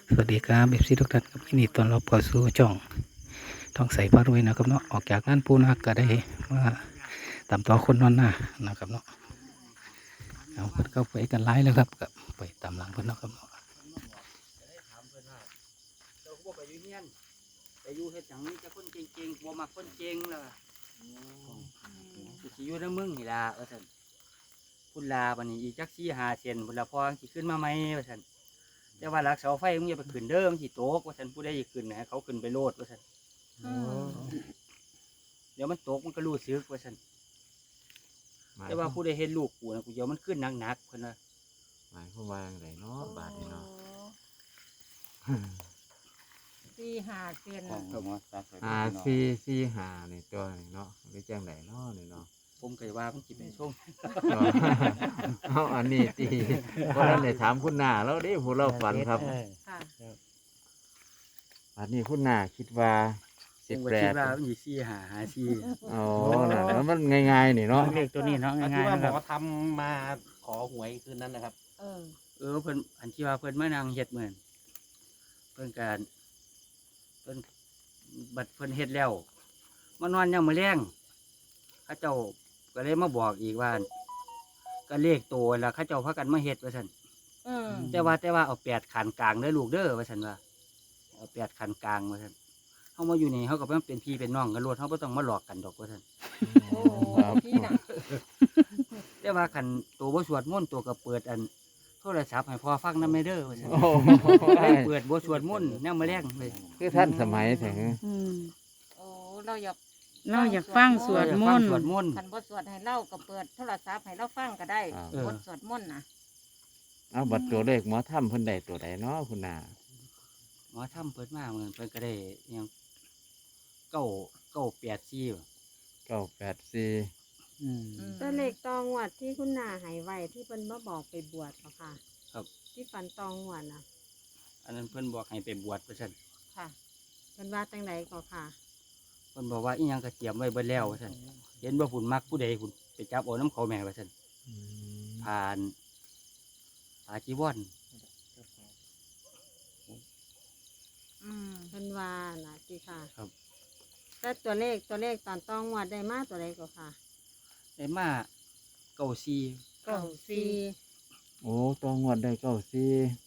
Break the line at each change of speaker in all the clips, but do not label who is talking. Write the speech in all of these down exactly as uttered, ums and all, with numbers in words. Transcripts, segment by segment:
สวัสดีครับเอฟซีทุกท่านครับยินดีต้อนรับเข้าสู่ช่องท่องใสพารวยนะครับเนาะออกจากงานปูนาก็ได้มาตามต่อคนนอนหน้านะครับเนาะเอาเพิ่นเข้าไปกันไล่แล้วครับกับไปตามหลังเพิ่นเนาะครับเนาะ
ถามเพิ่นว่าเจ้าบ่ไปอยู่เฮียนไปอยู่เฮ็ดหยังมีแต่คนเก่งๆบ่มักคนเก่งล่ะกูสิอยู่นำมึงนี่ล่ะว่าซั่นพุ่นลาบัดนี้อีกจักสี่ห้าเซนพุ่นละพอสิขึ้นมาใหม่ว่าซั่นแต่ว่าหลักเสาไฟมึงอย่าไปขึ้นเด้อมันสิตกว่าซั่นผู้ใดสิขึ้นให้เขาขึ้นไปโลดว่าซั่นเดี๋ยวมันตกมันก็รู้สึกว่าซั่นแต่ว่าผู้ใดเห็นลูกกูนะกูเดี๋ยวมันขึ้นหนักๆเพิ่นว่า
หมายความว่าอย่างไรเนาะบาทนี่เนาะ
สี่ห้าเซน
อ่าสี่สี่หานี่ตัวนี่เนาะหรือจังไหนเนาะนี่เนาะ
ผมก็ว่ามันสิเป็นช่วง
เอาอันนี้ตีเพราะนั้นเลยถามคุณหน้าแล้วดิผู้เราฝันครับ
ค่ะ
อันนี้คุณหน้าคิดว่าสิบ
ผมก็
แป
คิด
ด
ว่ามันสิสี่ห้าห้าสี่
อ๋อแล้วมันง่ายๆนี่เนาะ
เลขตัวนี้เนาะ
อัน
ง่า
ที่
ย
ว่า
ๆ
หม
นะครับ
อทำมาขอหวยคืนนั้นนะครับ
เออ
เออเพิ่นอันที่ว่าเพิ่นมานั่งเฮ็ดเหมือนเพิ่นการเพิ่นบัดเพิ่นเฮ็ดแล้วมานอนยังมื้อแรงเขาเจ้าก็เลยมาบอกอีกว่าก็เลขโตแล้วเขาเจ้าพากันมาเฮ็ดว่าซั่น
เออ
แต่ว่าแต่ว่าเอาแปดขันกลางเด้อลูกเด้อว่าซั่นว่าเอาแปดขันกลางว่าซั่นเฮามาอยู่นี่เฮาก็เป็นพี่เป็นน้องกันโลดเฮาบ่ต้องมาหลอกกันดอกว่าซั่น
โอ้พี่น่ะ
แต่ว่าคันตัวบ่สวดมนต์ตัวก็เปิดอันโทรศัพท์ให้พ่อฟังนำเด้อว่าซั่น
โอ้
ก็เลยเปิดบ่สวดมนต์แนวมื้อแรงเลย
คือท่านสมัยถึง
อืม
โอ้เราอยาก
เราอยากฟังสวดมนต์
สวดมนต์
คันบทสวดให้เราก็เปิดโทรศัพท์ให้เราฟังก็ได้
เออ
บทสวดมนต์นะ
เอาบัตรตัวเลขหมอถ้ำเพิ่นใดตัวใดเนาะคุณหน้า
หมอทำเปิดมาเหมือนเพิ่นก็ได้อิหยังเก้าเก้าแปดสี่บ่
เก้าแปดสี่
อืม
อืม
ตัวเลขตองหวัดที่คุณนาหายไวที่เพิ่นมาบอกไปบวชเหรอค่ะ
ครับ
ที่ฝันตองหวัดนะ
อันนั้นเพิ่นบอกให้ไปบวชว่าซั่น
ค่ะ
เพิ่นว่าจังไดก็ค่ะ
เพิ่นบอกว่าอีหยังก็เตรียมไว้เบิดแล้วว่าซั่นเห็นว่าฝุ่นมักผู้ใดฝุ่นไปจับเอาน้ำเขาแม่ว่าซั่น
อืม
ผ่านผ่าจีวร
อืม
เพิ่นว่านะจีค่ะ
ครับ
แต่ตัวเลขตัวเลขตอนตองหวัดได้มาตัวใดก็ค่ะ
ได้มาเก้าสี่
เก้าสี่
โอ้ตัวงวดได้เก้าสี่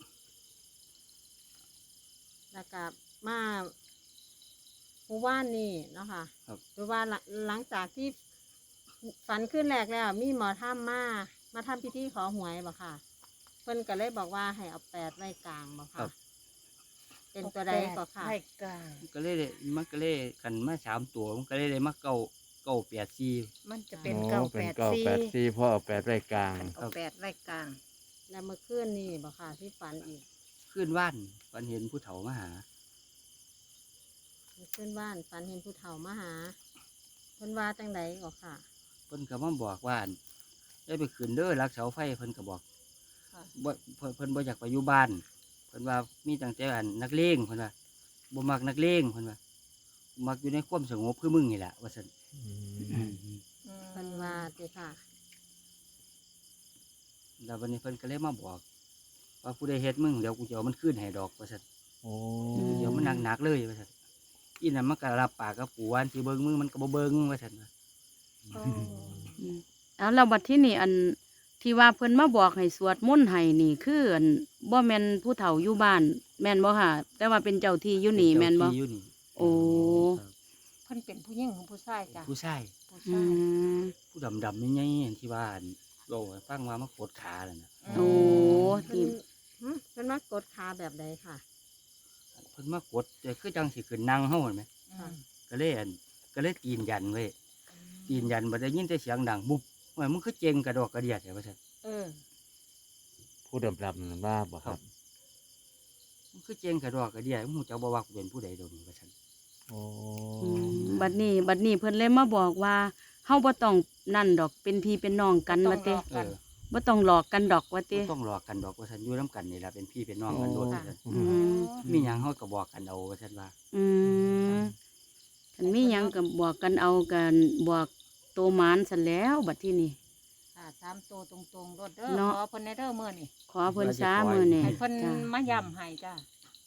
แล้วก็มาผู้ว่านนี่เนาะค่ะหรือว่าหลังหลังจากที่ฝันขึ้นแรกแล้ว มีหมอถ้ำมามาทำพิธีขอหวยบ่ค่ะ เพิ่นก็เลยบอกว่าให้เอาแปดไว้กลางบ่ค่ะ เป็นตัวใดก็ค่ะ
ให้กลาง
ก็เลยได้มันก็เลยขันมาสามตัวมันก็เลยได้มาเก้าเก้าแปดสี่
มันจะเป็น
โอ้
เก้า
เป็
แป
น
ด
เก้า
สี่
แปดสี่เพราะเอาแปดไว้กลาง
เอาแปดไว้กลาง
แล้วเมื่อคืนนี่บ่ค่ะที่ฝันอีก
ขึ้นว่านฝันเห็นผู้เฒ่ามาหา
เมื่อคืนบ้านฝันเห็นผู้เฒ่ามาหาเพิ่นว่าจังไดก็ค่ะ
เพิ่นก็มาบอกว่าอั่นได้ไปขึ้นเด้อรักเสาไฟเพิ่นก็บอก
ค่ะ
บ่เพิ่นเพิ่นบ่อยากไปอยู่บ้านเพิ่นว่ามีตั้งแต่อันนักเลงเพิ่นว่าบ่มักนักเลงเพิ่นว่ามักอยู่ในความสงบคือมึงนี่แหละว่าซั่น
อืม
เพิ่นว่าติค่ะ
แล้ววันนี้เพิ่นก็เลยมาบอก ว่าผู้ใดเฮ็ดมึงเดี๋ยวกูจะเอามันคืนให้ดอกว่าซั่น
โอ้
เดี๋ยวมันหนักๆเลยว่าซั่นอีนั่นมันก็รับปากกับปู่ว่าอันสิเบิ่งมึงมันก็บ่เบิ่งว่าซั่นว่า
อืมเอาเราบัดที่นี่อันที่ว่าเพิ่นมาบอกให้สวดมนต์ให้นี่คืออันบ่แม่นผู้เฒ่าอยู่บ้าน แม่นบ่ค่ะ แต่ว่าเป็นเจ้าที่อยู่นี่แม่นบ่
เจ้าที่อยู่นี่
โอ้
ครับ
เพิ่นเป็นผู้หญิงของผู้ชายจ้ะ
ผู้ชาย
ผู้
อื
ชาย
ม
ผู้ดำๆใหญ่ๆอันที่ว่าอันเราให้ฟังว่ามันกดขานั่นน่ะ
โอ้
เพิ่
ที่
นหึเพิ่นมากดขาแบบใดค่ะ
เพิ่นมากดแต่คือจังสิขึ้นนั่งเฮาเห็นไหม
อืม
ก็เลยอันก็เลยตีนยันไว้ตีนยันบ่ได้ยินแต่เสียงดังบุบว่ามึงคือเจงกระดอกกระเดียดแต่ว่าซั่น
เออ
ผู้ดำดำนั่นว่าบ่ครับ
มึงคือเจงกระดอกกระเดียดมึงรู้จักบ่ว่ากูเป็นผู้ใดดอกนี่ว่าซั่น
โอ้
อืมบัดนี้ บัดนี้เพิ่นเลยมาบอกว่าเฮาบ่ต้องนั่นดอกเป็นพี่เป็นน้องกันว่าติ
เออ
บ่ต้องหลอกกันดอกว่าติ
บ่ต้องหลอกกันดอกว่าซั่นอยู่นํกันนี่ล่ะเป็นพี่เป็นน้องกันโดดว่าซั่น
อืม
มีหยังเฮาก็บอกกันเอาว่าซั่นว่า
อืมคันมีหยังก็บอกกันเอากันบอกโตหมานซั่นแล้วบัดที่นี่
ค่ะสามตัวตรงๆรถเด้อ
เนาะ
ขอเพิ่นในเด้อมื้อนี่
ขอเพิ่นซ้ามื้อนี่
ให้เพิ่น
จ้ะ
มาย้ำให้จ้ะ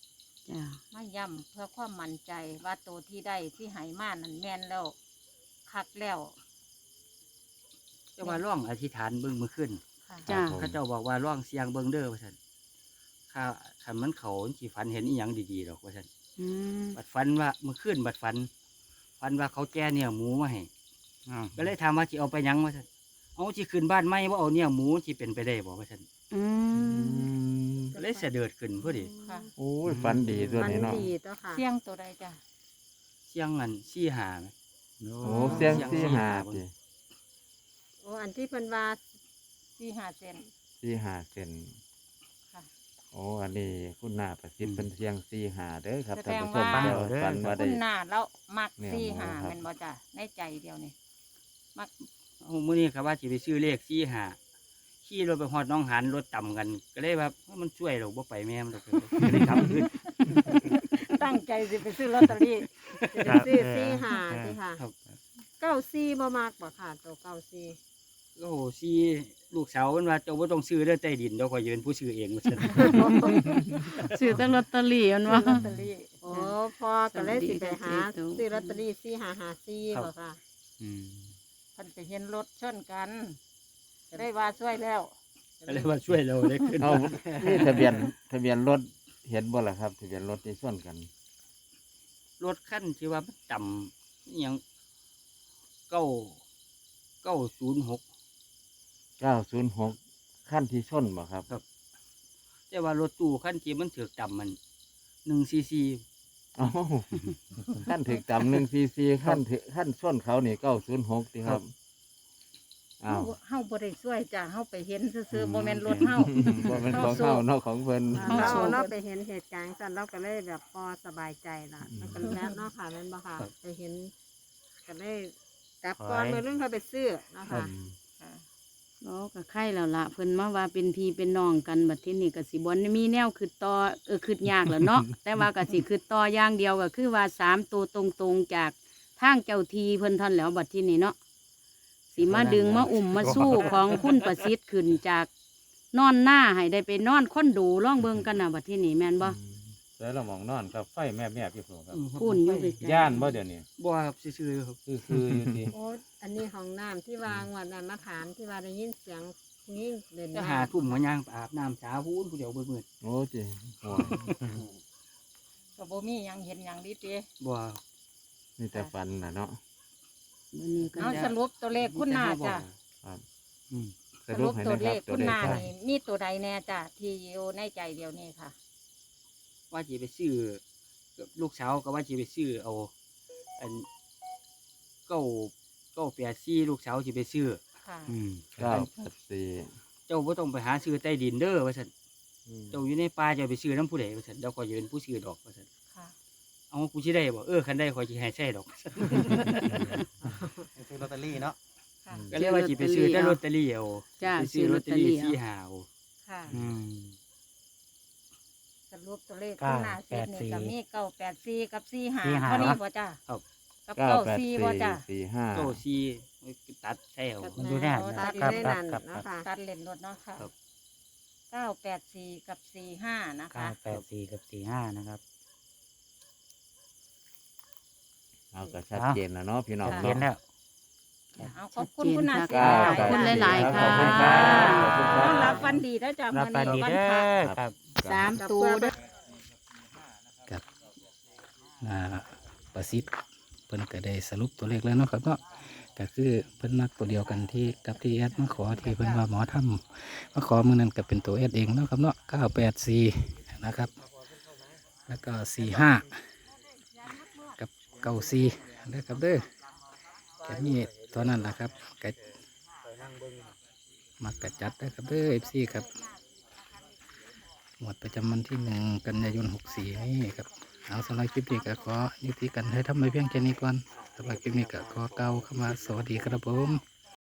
จ้า
มาย้ำเพื่อความมั่นใจว่าตัวที่ได้ที่ใหายมานั่นแม่นแล้วคักแล้ว
เจ้าว่าร่องอธิษฐานเบิ่งมือขึ้น
ค่ะ
จ้า
เขาเจ้าบอกว่าร่องเสียงเบิ่งเด้อว่าซั่นข้าคันมันเขาสิฝันเห็นอีหยังดีๆดอกว่าซั่น
อืม
บัดฝันว่ามือขึ้นบัดฝันฝันว่าเขาแก่เนี่ยหมูมาให้ก็เลยถามว่าสิเอาไปหยังว่าซั่นเอาสิขึ้นบ้านใหม่บ่เอาเนี่ยหมูสิเป็นไปได้บ่ว่าซั่น
อืม
ก็เลยเสด็จขึ้นพอดี
ค่ะ
โอ้ยฝันดีตัว
มัน
นี้เนาะ
ดีตัวค่ะ
เสียงตัวใดจ้ะ
เสียงอันสี่หาไหม
โอ้เสียงสี่หาติ
โอ้อันที่เพิ่นว่า
สี่ห้าเซน
สี่หาเซน
ค่ะ
โอ้อันนี้คุณหน้าประสิทธิ์เป็นเสียงสี่หาเด้อครับ
แส
ท่าน
ดง
ผู้ชม
ว่า
เดี๋ยวฝันว่าได้
คุณหน้าแล้วมัก
เนี่ย
สี่ห้า
หมูครับ
แม่นบ่จ้ะในใจเดียวนี่มัก
เอามื้อนี้ครับว่าสิไปซื้อเลขสี่หาขี่รถไปฮอดหน้องหันรถต่ำกัน ก็เลยว่ามันช่วยเราบ่ไปแม่มันดอกก็เลยขับขึ้น
ตั้งใจสิไปซื้อลอตเตอรี่
จะได้ซื้อสี่หาสิค่ะ
ครับ
เก้าสี่บ่มากบ่ค่ะตัวเก้าสี่
โอ้โหสี่ลูกสาวมันว่าเจ้าบ่ต้องซื้อเด้อใต้ดินเดี๋ยวข่อยจะเป็นผู้ซื้อเองว่าซั่น
ซื้อแต่ลอตเตอรี่อันว่า
ลอตเตอรี่
โอ้พอก็เลยสิไปหา
สวัสดี
ซื้อลอตเตอรี่สี่หาหาสี่บ่ค่ะ
อืม
เพันไปเห็นรถชนกันก็ได้ว่าช่วยแล้ว
ก็เลยว่าช่วยเราได้ขึ้น
เอานี่ทะเบียนทะเบียนรถเห็นบ่ล่ะครับทะเบียนรถที่ส่วนกัน
รถคันที่ว่ามันต่ำอิหยังเก้าเก้าศูนย์หก
เก้าศูนย์หกขั้นที่ชนบ่ครับ
แต่ว่ารถตู้คันที่มันถือกต่ำมันหนึ่งซีซี
เอ้าขั้นถึกจำหนึ่งซีซีขั้นถึขั้นชนเขานี่เก้าศูนย์หกดีครับอ้าว
เฮาเฮาบ่ได้ช่วยจ้ะเฮาไปเห็นซื่อๆบ่แม่นรถเฮา
บ่เป็นของเขาเนอกของเพิ่น
เรา
เข้าสู่
เราไปเห็นเหตุการณ์สั่นเราก็เลยแบบพอสบายใจละมันก็แล้วเนาะค่ะแม่นบ่ค่ะไปเห็นก็ได้กลับก่อนมือเรื่องเขาไปซื้อเนาะค่ะ
ค่ะ
เนาะก็ไข่แล้วล่ะเพิ่นมาว่าเป็นพี่เป็นน้องกันบัดทีนี้ก็สิบ่มีแนวคือต่อเออคือยากแหล้วเนาะ แต่ว่าก็สิคือต่ออย่างเดียวก็คือว่าสามตัวตรงๆจากทางเจ้าทีเพิ่นท่านแหล้วบัดทีนี้เนาะสิมาดึงมาอุ่มมาสู้ของคุณประสิทธิ์ขึ้นจากนอนหน้าให้ได้ไปนอนคอนโดล่องเบิ่งกันน่ะบัดทีนี้แม่นบ่
แล้วเรามองนอนกับไฟแม่แม่พี่ผมครับ
พูนอยู่ไกลๆ
ย่านบ่เดี๋ยวนี้
บ่ครับซื่อๆครับ
คือคืออยู่ที่
โอ้อันนี้ของน้ำที่วางวันนั้นมาถามที่ว่าได้ยินเสียงนี่เด่น
จะหาทุ่มหัวย่างไปอาบน้ำสาพูนผู้เดียวเบื่อ
โอ้จิโอ้ย
ก็บ่มีหยังเห็นหยังดีติ
ๆบ่
นี่แต่ฟันน่ะเนาะ
มื้อนี้ก็
เอาสรุปตัวเลขคุณหน้าจ้ะ
ครับ
อืม
สรุปให้
ตัว
นะค
เล
รับ
ข
ตัว
คุณ
เล
ห
ข
น้า
ครับ
นี่มีตัวใดแน่จ้ะที่อยู่ในใจเดียวนี้ค่ะ
ว่าสิไปซื้อกับลูกสาวก็ว่าสิไปซื้อเอาอันเก้าเก้าแปดสี่ลูกสาวสิไปซื้อ
ค่ะ
อืม
เก้าแปดสี่
เจ้าบ่ต้องไปหาซื้อใต้ดินเด้อว่าซั่นเจ้าอยู่ในป่าเจ้าไปซื้อน้ำผู้ใดว่าซั่นเดี๋ยวข่อยจะเป็นผู้ซื้อดอกว่าซั่น
ค่ะ
เอากูสิได้บ่เออคันได้ข่อยสิให้ใช้ดอกว่าซั่น
ซื้อลอตเตอรี่เนาะ
ค่ะ
ก็เลยว่าสิไปซื้อแต่ลอตเตอรี่เอา
จ้า
ไป
ซื้
ซื้
อ
อ
ล
ล
อ
อ
ต
ต
เต
เต
อ
อรี่
รี่
สี่
เอา
หาเอา
ค่ะ
อืม
สรุปตัวเลขคุณหน้าเสร็จนี่ก็มีเก้าแปดสี่กับสี่ห้า
สี่ห้า
เท่านี้บ่จ้ะ
ครับ
กับ
เก้า
เก้า
แปด
สี่
สี่
บ่จ้ะ
สี่ห้า
เก้าสี่ตัดใช่เอา
มันอยู่แน่
โอ้
นะ
ตัด
ครับ
ได้
ครับ
นั่น
ครับ
เนาะค่ะ
ตัดเลนรถเนาะค่ะ
ครับ
เก้าแปดสี่กับสี่ห้านะ
เก้า
คะ
แปดสี่กับสี่ห้านะครับ
เอาก็ชัดเจนนะเนาะพี่น้อง
ชัดเจนแล้ว
เอาขอบคุณคุณหน้าเสร็จ
ขอบคุณ
หลายๆค่ะ
ขอบคุณครับขอบคุณค
ต้
รั
อบ นรับวันดีแล้วจ้ะ
รับ
มื้อ
ไปดี
นี้วัน
เด้
พระ
อครับ
สามตัวเด้อ
กับอ่าประสิทธิ์เพิ่นก็ได้สรุปตัวเลขแล้วเนาะครับเนาะก็คือเพิ่นนักตัวเดียวกันที่กับที่แอดมาขอที่เพิ่นว่าหมอทำมาขอมือนั้นก็เป็นตัวแอดเองเนาะครับเนาะเก้าแปดสี่นะครับ แล้วก็สี่ห้ากับเก้าสี่นะครับเด้อแค่นี้ตัวนั้นแหละครับก็มักกะจัดนะครับเด้อเอฟซีครับหมวดประจำวันที่หนึ่งกันยายนหกสี่นี่ครับเอาสำหรับคลิปนี้ก็ขอยุติกันให้ทำไปเพียงแค่นี้ก่อนสำหรับคลิปนี้ก็ขอเกล่าวคำว่าสวัสดีครับผม